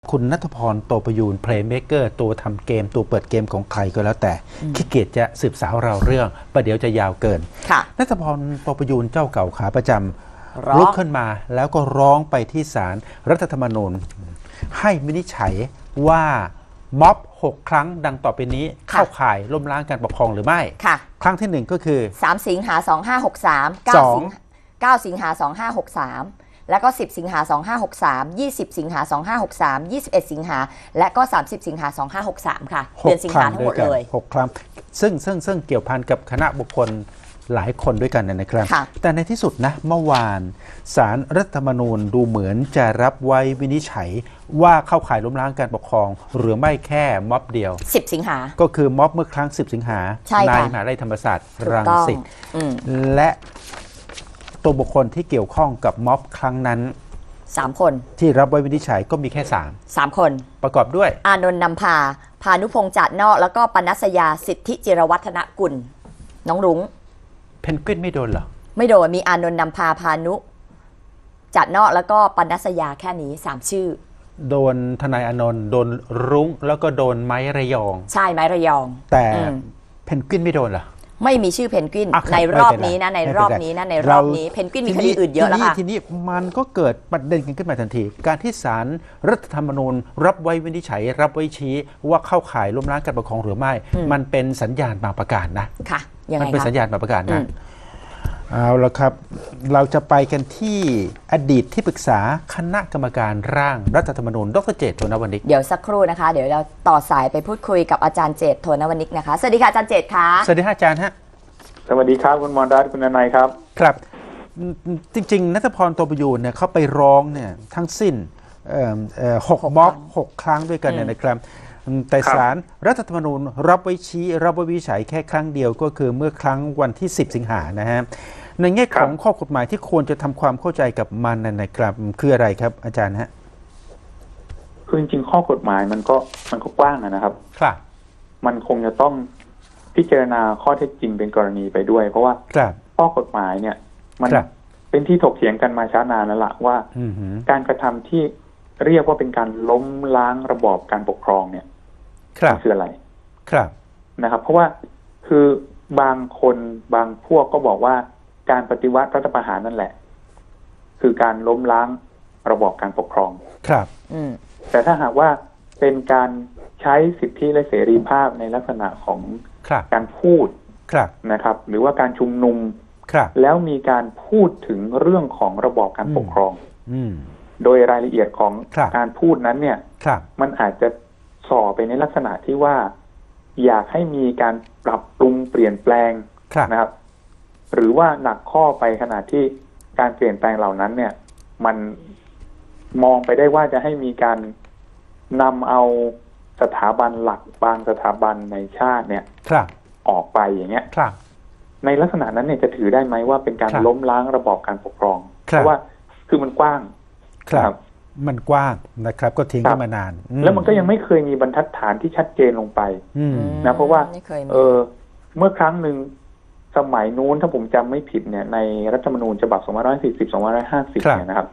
คุณณัฐพร โตประยูรเพลย์เม k เกอร์ตัวทำเกมตัวเปิดเกมของใครก็แล้วแต่ขี้เกียจจะสืบสาวเราเรื่องประเดี๋ยวจะยาวเกินณัฐพร โตประยูรเจ้าเก่าขาประจำลุกขึ้นมาแล้วก็ร้องไปที่ศาลรัฐธรรมนูญให้วินิจฉัยว่าม็อบ6 ครั้งดังต่อไปนี้เข้าข่ายล้มล้างการปกครองหรือไม่ครั้งที่1ก็คือ 3 สิงหา2563 9 สิงหา2563แล้วก็10 สิงหา2563 20 สิงหา2563 21 สิงหาและก็30 สิงหา2563ค่ะเดือนสิงหาทั้งหมดเลย 6 ครั้งซึ่งเกี่ยวพันกับคณะบุคคลหลายคนด้วยกันนะครับแต่ในที่สุดนะเมื่อวานศาลรัฐธรรมนูญดูเหมือนจะรับไว้วินิจฉัยว่าเข้าข่ายล้มล้างการปกครองหรือไม่แค่ม็อบเดียว 10 สิงหาก็คือม็อบเมื่อครั้ง10 สิงหาในมหาวิทยาลัยธรรมศาสตร์รังสิตและตัวบุคคลที่เกี่ยวข้องกับม็อบครั้งนั้น 3 คนที่รับไว้วินิจฉัยก็มีแค่3 คนประกอบด้วยอานนท์นำพาพานุพงษ์จัดนอกแล้วก็ปนัสยาสิทธิจิรวัฒนกุลน้องรุ้งเพนกวินไม่โดนเหรอไม่โดนมีอานนท์นำพาพานุจัดนอกแล้วก็ปนัสยาแค่นี้3 ชื่อโดนทนายอานนท์โดนรุ้งแล้วก็โดนไม้ระยองใช่ไม้ระยองแต่เพนกวินไม่โดนเหรอไม่มีชื่อเพนกวินในรอบนี้นะในรอบนี้เพนกวินมีคดีอื่นเยอะแล้วค่ะทีนี้มันก็เกิดประเด็นกันขึ้นมาทันทีการที่ศาลรัฐธรรมนูญรับไว้วินิจฉัยรับไว้ชี้ว่าเข้าข่ายล้มล้างการปกครองหรือไม่มันเป็นสัญญาณบางประการนะค่ะยังไงมันเป็นสัญญาณบางประการนะเอาละครับเราจะไปกันที่อดีตที่ปรึกษาคณะกรรมการร่างรัฐธรรมนูญดร.เจต โทนวณิกเดี๋ยวสักครู่นะคะเดี๋ยวเราต่อสายไปพูดคุยกับอาจารย์เจต โทนวณิกนะคะสวัสดีค่ะอาจารย์เจตค่ะสวัสดีอาจารย์ฮะสวัสดีครับคุณมรรัตน์คุณนายครับครับจริงๆณัฐพร โตประยูรเนี่ยเขาไปร้องเนี่ยทั้งสิ้น6 ม็อบ 6 ครั้งด้วยกันนะครับแต่ศาลรัฐธรรมนูญรับไว้ชี้รับไว้วินิจฉัยแค่ครั้งเดียวก็คือเมื่อครั้งวันที่10 สิงหานะฮะในแง่ของข้อกฎหมายที่ควรจะทำความเข้าใจกับมันนะครับคืออะไรครับอาจารย์ฮะคือจริงๆข้อกฎหมายมันก็กว้างนะครับครับมันคงจะต้องพิจารณาข้อเท็จจริงเป็นกรณีไปด้วยเพราะว่าข้อกฎหมายเนี่ยมันเป็นที่ถกเถียงกันมาช้านานแล้วล่ะว่าการกระทำที่เรียกว่าเป็นการล้มล้างระบอบการปกครองเนี่ยคืออะไรนะครับเพราะว่าคือบางคนบางพวกก็บอกว่าการปฏิวัติรัฐประหารนั่นแหละคือการล้มล้างระบอบการปกครองครับแต่ถ้าหากว่าเป็นการใช้สิทธิและเสรีภาพในลักษณะของการพูดนะครับหรือว่าการชุมนุมแล้วมีการพูดถึงเรื่องของระบอบการปกครองโดยรายละเอียดของการพูดนั้นเนี่ยมันอาจจะส่อไปในลักษณะที่ว่าอยากให้มีการปรับปรุงเปลี่ยนแปลงนะครับหรือว่าหนักข้อไปขนาดที่การเปลี่ยนแปลงเหล่านั้นเนี่ยมันมองไปได้ว่าจะให้มีการนำเอาสถาบันหลักบางสถาบันในชาติเนี่ยออกไปอย่างเงี้ยในลักษณะนั้นเนี่ยจะถือได้ไหมว่าเป็นการล้มล้างระบอบการปกครองเพราะว่าคือมันกว้างครับมันกว้างนะครับก็ทิ้งกันมานานแล้วมันก็ยังไม่เคยมีบรรทัดฐานที่ชัดเจนลงไปนะเพราะว่าเมื่อครั้งหนึ่งสมัยนู้นถ้าผมจำไม่ผิดเนี่ยในรัฐธรรมนูญฉบับ2540-2550เนี่ยนะครับ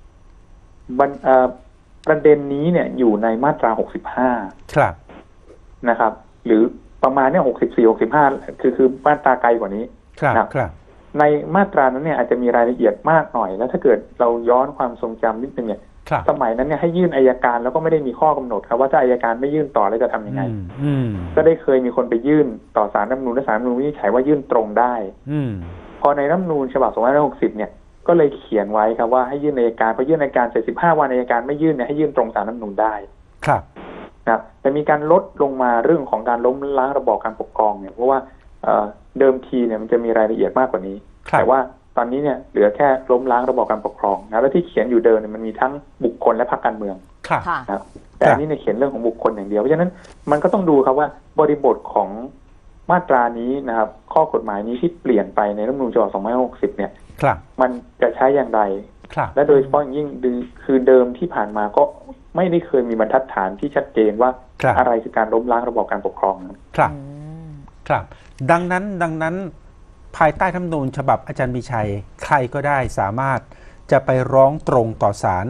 ประเด็นนี้เนี่ยอยู่ในมาตรา65 ครับนะครับหรือประมาณเนี่ย64-65คือมาตราไกลกว่านี้ครับในมาตรานั้นเนี่ยอาจจะมีรายละเอียดมากหน่อยแล้วถ้าเกิดเราย้อนความทรงจำนิดนึงเนี่ยสมัยนั้นเนี่ยให้ยื่นอัยการแล้วก็ไม่ได้มีข้อกำหนดครับว่าถ้าอัยการไม่ยื่นต่อแล้วจะทำยังไงก็ได้เคยมีคนไปยื่นต่อศาลรัฐธรรมนูญและศาลรัฐธรรมนูญวินิจฉัยว่ายื่นตรงได้พอในรัฐธรรมนูญฉบับ2560เนี่ยก็เลยเขียนไว้ครับว่าให้ยื่นอัยการพอยื่นอัยการเสร็จ15 วันอัยการไม่ยื่นเนี่ยให้ยื่นตรงศาลรัฐธรรมนูญได้นะแต่มีการลดลงมาเรื่องของการล้มล้างระบอบการปกครองเนี่ยเพราะว่าเดิมทีเนี่ยมันจะมีรายละเอียดมากกว่านี้แต่ว่าตอนนี้เนี่ยเหลือแค่ล้มล้างระบอบการปกครองนะแล้วที่เขียนอยู่เดิมเนี่ยมันมีทั้งบุคคลและพรรคการเมืองนะแต่อันนี้เนี่ยเขียนเรื่องของบุคคลอย่างเดียวเพราะฉะนั้นมันก็ต้องดูครับว่าบริบทของมาตรานี้นะครับข้อกฎหมายนี้ที่เปลี่ยนไปในรัฐธรรมนูญฉบับ2560เนี่ยมันจะใช้อย่างไรและโดยเฉพาะอย่างยิ่งคือเดิมที่ผ่านมาก็ไม่ได้เคยมีบรรทัดฐานที่ชัดเจนว่าอะไรคือการล้มล้างระบอบการปกครองครับดังนั้นภายใต้รัฐธรรมนูญฉบับอาจารย์มีชัยใครก็ได้สามารถจะไปร้องตรงต่อศาล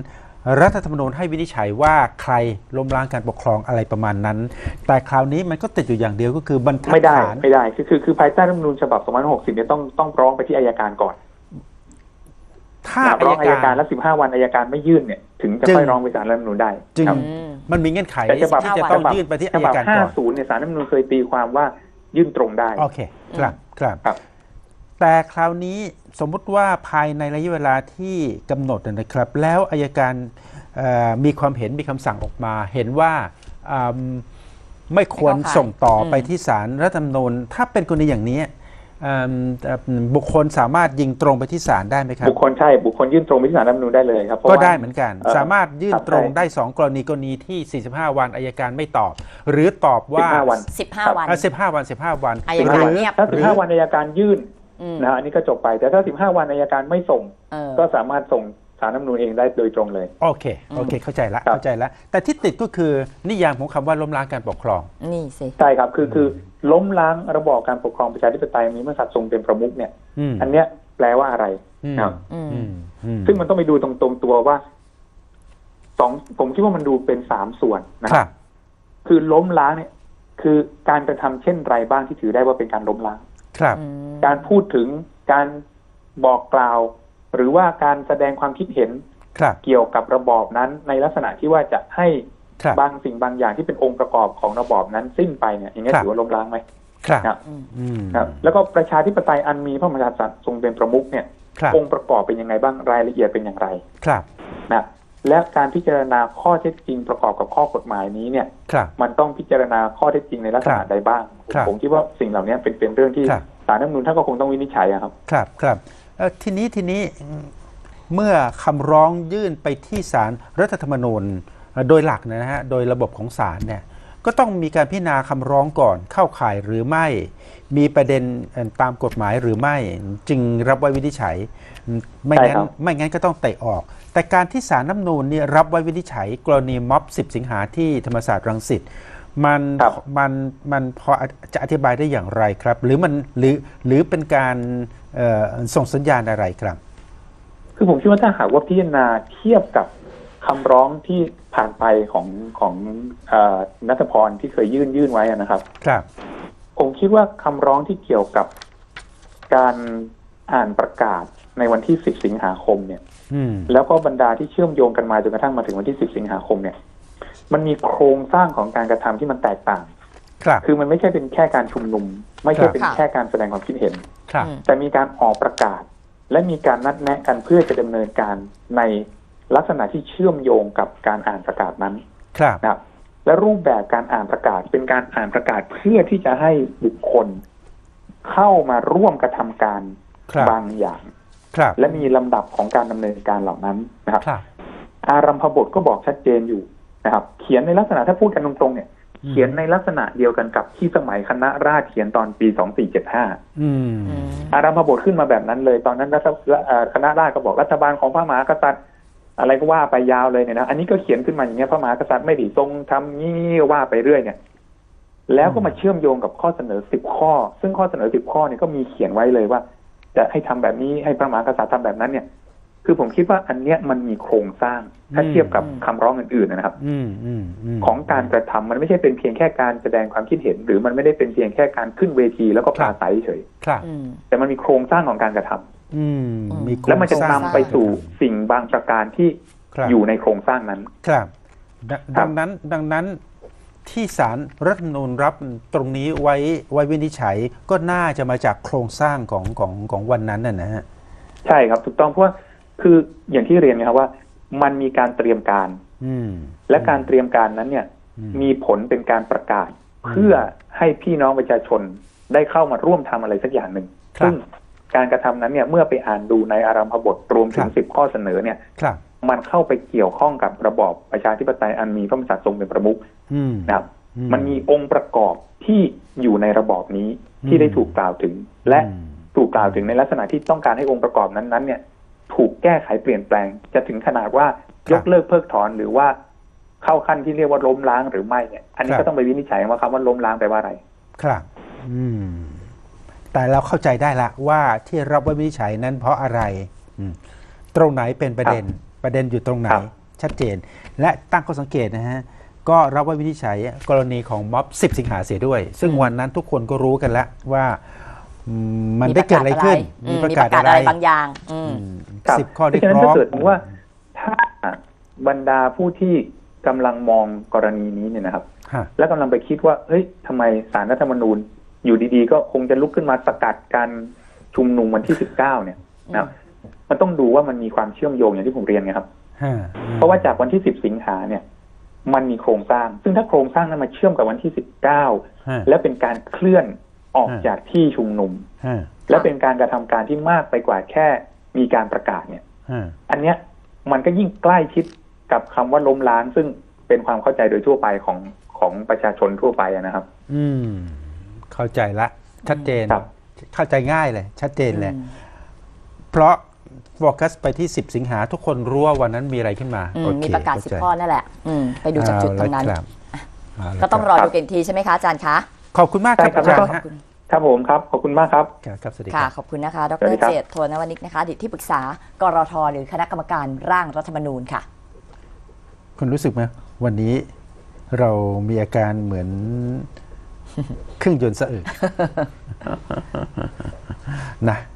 รัฐธรรมนูญให้วินิจฉัยว่าใครล้มล้างการปกครองอะไรประมาณนั้น แต่คราวนี้มันก็ติดอยู่อย่างเดียวก็คือบรรทัดฐานไม่ได้คือภายใต้รัฐธรรมนูญฉบับ2560เนี่ยต้องร้องไปที่อัยการก่อนถ้าร้องอัยการแล้ว15 วันอัยการไม่ยื่นเนี่ยถึงจะค่อยร้องไปศาลรัฐธรรมนูญได้จึงมันมีเงื่อนไขที่จะต้องยื่นไปที่อัยการก่อน 50เนี่ยศาลรัฐธรรมนูญเคยตีความว่ายื่นตรงได้โอเคครับแต่คราวนี้สมมุติว่าภายในระยะเวลาที่กำหนดนะครับแล้วอัยการมีความเห็นมีคำสั่งออกมาเห็นว่าไม่ควรส่งต่อไปที่ศาลรัฐธรรมนูญถ้าเป็นกรณีอย่างนี้บุคคลสามารถยิงตรงไปที่ศาลได้ไหมครับบุคคลยื่นตรงไปที่ศาลรัฐธรรมนูญได้เลยครับก็ได้เหมือนกันสามารถยื่นตรงได้2กรณีที่45 วันอัยการไม่ตอบหรือตอบว่า 15 วัน 15 วันอัยการเงียบถ้า15 วันอัยการยื่นนะอันนี้ก็จบไปแต่ถ้า15 วันอัยการไม่ส่งก็สามารถส่งศาลรัฐธรรมนูญเองได้โดยตรงเลยโอเคเข้าใจแล้วแต่ที่ติดก็คือนิยามของคำว่าล้มล้างการปกครองนี่สิใช่ครับคือล้มล้างระบอบการปกครองประชาธิปไตยมีพระมหากษัตริย์ทรงเป็นประมุขเนี่ยอันเนี้ยแปลว่าอะไรครับซึ่งมันต้องไปดูตรงตัวว่าผมคิดว่ามันดูเป็น3 ส่วนนะครับคือล้มล้างเนี่ยคือการกระทำเช่นไรบ้างที่ถือได้ว่าเป็นการล้มล้างการพูดถึงการบอกกล่าวหรือว่าการแสดงความคิดเห็นเกี่ยวกับระบอบนั้นในลักษณะที่ว่าจะให้บางสิ่งบางอย่างที่เป็นองค์ประกอบของระบอบนั้นสิ้นไปเนี่ยอย่างนี้ถือว่าล้มล้างไหมครับแล้วก็ประชาธิปไตยอันมีพระมหากษัตริย์ทรงเป็นประมุขเนี่ยองค์ประกอบเป็นยังไงบ้างรายละเอียดเป็นอย่างไรนะและการพิจารณาข้อเท็จจริงประกอบกับข้อกฎหมายนี้เนี่ยมันต้องพิจารณาข้อเท็จจริงในลักษณะใดบ้างผมคิดว่าสิ่งเหล่านี้เป็นเรื่องที่ศาลรัฐธรรมนูญท่านก็คงต้องวินิจฉัยครับทีนี้เมื่อคำร้องยื่นไปที่ศาลรัฐธรรมนูญโดยหลักนะฮะโดยระบบของศาลเนี่ยก็ต้องมีการพิจารณาคำร้องก่อนเข้าข่ายหรือไม่มีประเด็นตามกฎหมายหรือไม่จึงรับไว้วินิจฉัยไม่งั้นก็ต้องเตะออกแต่การที่ศาลรัฐธรรมนูญนี่รับไว้วินิจฉัยกรณีม็อบ10 สิงหาที่ธรรมศาสตร์รังสิตมันพอจะอธิบายได้อย่างไรครับหรือมันหรือเป็นการส่งสัญญาณอะไรครับคือผมคิดว่าถ้าหากว่าพิจารณาเทียบกับคำร้องที่ผ่านไปของณัฐพรที่เคยยื่นไว้นะครับผมคิดว่าคำร้องที่เกี่ยวกับการอ่านประกาศในวันที่10 สิงหาคมเนี่ยแล้วก็บรรดาที่เชื่อมโยงกันมาจนกระทั่งมาถึงวันที่10 สิงหาคมเนี่ยมันมีโครงสร้างของการกระทำที่มันแตกต่างคือมันไม่ใช่เป็นแค่การชุมนุมไม่ใช่เป็นแค่การแสดงความคิดเห็นแต่มีการออกประกาศและมีการนัดแนะกันเพื่อจะดำเนินการในลักษณะที่เชื่อมโยงกับการอ่านประกาศนั้นนะครับและรูปแบบการอ่านประกาศเป็นการอ่านประกาศเพื่อที่จะให้บุคคลเข้ามาร่วมกระทำการบางอย่างและมีลำดับของการดำเนินการเหล่านั้นนะครับอารัมภบทก็บอกชัดเจนอยู่นะครับเขียนในลักษณะถ้าพูดกันตรงๆเนี่ยเขียนในลักษณะเดียวกันกับที่สมัยคณะราษฎรเขียนตอนปี2475อารัมภบทขึ้นมาแบบนั้นเลยตอนนั้นคณะราษฎรก็บอกรัฐบาลของพระมหากษัตริย์อะไรก็ว่าไปยาวเลยเนี่ยนะอันนี้ก็เขียนขึ้นมาอย่างเงี้ยพระมหากษัตริย์ไม่ได้ทรงทำงี้ว่าไปเรื่อยเนี่ยแล้วก็มาเชื่อมโยงกับข้อเสนอ10 ข้อซึ่งข้อเสนอ10 ข้อเนี่ยก็มีเขียนไว้เลยว่าจะให้ทำแบบนี้ให้พระมหากษัตริย์ทำแบบนั้นเนี่ยคือผมคิดว่าอันเนี้ยมันมีโครงสร้างถ้าเทียบกับคำร้องอื่นๆนะครับของการกระทำมันไม่ใช่เป็นเพียงแค่การแสดงความคิดเห็นหรือมันไม่ได้เป็นเพียงแค่การขึ้นเวทีแล้วก็ปราศัยเฉยแต่มันมีโครงสร้างของการกระทำแล้วมันจะนำไปสู่สิ่งบางประการที่อยู่ในโครงสร้างนั้นครับดังนั้นที่ศาลรัฐธรรมนูญรับตรงนี้ไว้วินิจฉัยก็น่าจะมาจากโครงสร้างของวันนั้นนะฮะใช่ครับถูกต้องเพราะว่าคืออย่างที่เรียนนะครับว่ามันมีการเตรียมการและการเตรียมการนั้นเนี่ยมีผลเป็นการประกาศเพื่อให้พี่น้องประชาชนได้เข้ามาร่วมทำอะไรสักอย่างหนึ่งซึ่งการกระทำนั้นเนี่ยเมื่อไปอ่านดูในอารัมภบทรวมถึง10 ข้อเสนอเนี่ยมันเข้าไปเกี่ยวข้องกับระบอบประชาธิปไตยอันมีพระมหากษัตริย์ทรงเป็นประมุขนะครับมันมีองค์ประกอบที่อยู่ในระบอบนี้ที่ได้ถูกกล่าวถึงและถูกกล่าวถึงในลักษณะที่ต้องการให้องค์ประกอบนั้นเนี่ยถูกแก้ไขเปลี่ยนแปลงจะถึงขนาดว่ายกเลิกเพิกถอนหรือว่าเข้าขั้นที่เรียกว่าล้มล้างหรือไม่เนี่ยอันนี้ก็ต้องไปวินิจฉัยว่าคำว่าล้มล้างแปลว่าอะไรครับแต่เราเข้าใจได้ละว่าที่รับไว้วินิจฉัยนั้นเพราะอะไรตรงไหนเป็นประเด็นอยู่ตรงไหนชัดเจน และตั้งข้อสังเกตนะฮะก็รับว่าวินิจฉัยกรณีของม็อบ 10 สิงหาเสียด้วย ซึ่งวันนั้นทุกคนก็รู้กันแล้วว่ามันได้เกิดอะไรขึ้นมีประกาศอะไรบางอย่าง 10 ข้อเรียกร้องถ้าเกิดว่าถ้าบรรดาผู้ที่กำลังมองกรณีนี้เนี่ยนะครับแล้วกำลังไปคิดว่าเฮ้ยทำไมศาลรัฐธรรมนูญอยู่ดีๆก็คงจะลุกขึ้นมาสกัดการชุมนุมวันที่19เนี่ยนะมันต้องดูว่ามันมีความเชื่อมโยงอย่างที่ผมเรียนไงครับเพราะว่าจากวันที่10 สิงหาเนี่ยมันมีโครงสร้างซึ่งถ้าโครงสร้างนั้นมาเชื่อมกับวันที่19และเป็นการเคลื่อนออกจากที่ชุมนุมและเป็นการกระทำการที่มากไปกว่าแค่มีการประกาศเนี่ยอันเนี้ยมันก็ยิ่งใกล้ชิดกับคำว่าล้มล้างซึ่งเป็นความเข้าใจโดยทั่วไปของประชาชนทั่วไปนะครับเข้าใจละชัดเจนเข้าใจง่ายเลยชัดเจนเลยเพราะโฟกัสไปที่10 สิงหาทุกคนรู้ว่าวันนั้นมีอะไรขึ้นมามีประกาศ10 ข้อนั่นแหละไปดูจากจุดตรงนั้นก็ต้องรอดูกันทีใช่ไหมคะอาจารย์คะขอบคุณมากครับอาจารย์ครับผมครับขอบคุณมากครับครับสวัสดีค่ะขอบคุณนะคะดร.เจต โทนวนิกนะคะอดีตที่ปรึกษากรท.หรือคณะกรรมการร่างรัฐธรรมนูญค่ะคุณรู้สึกไหมวันนี้เรามีอาการเหมือนเครื่องยนต์สะอึกนะ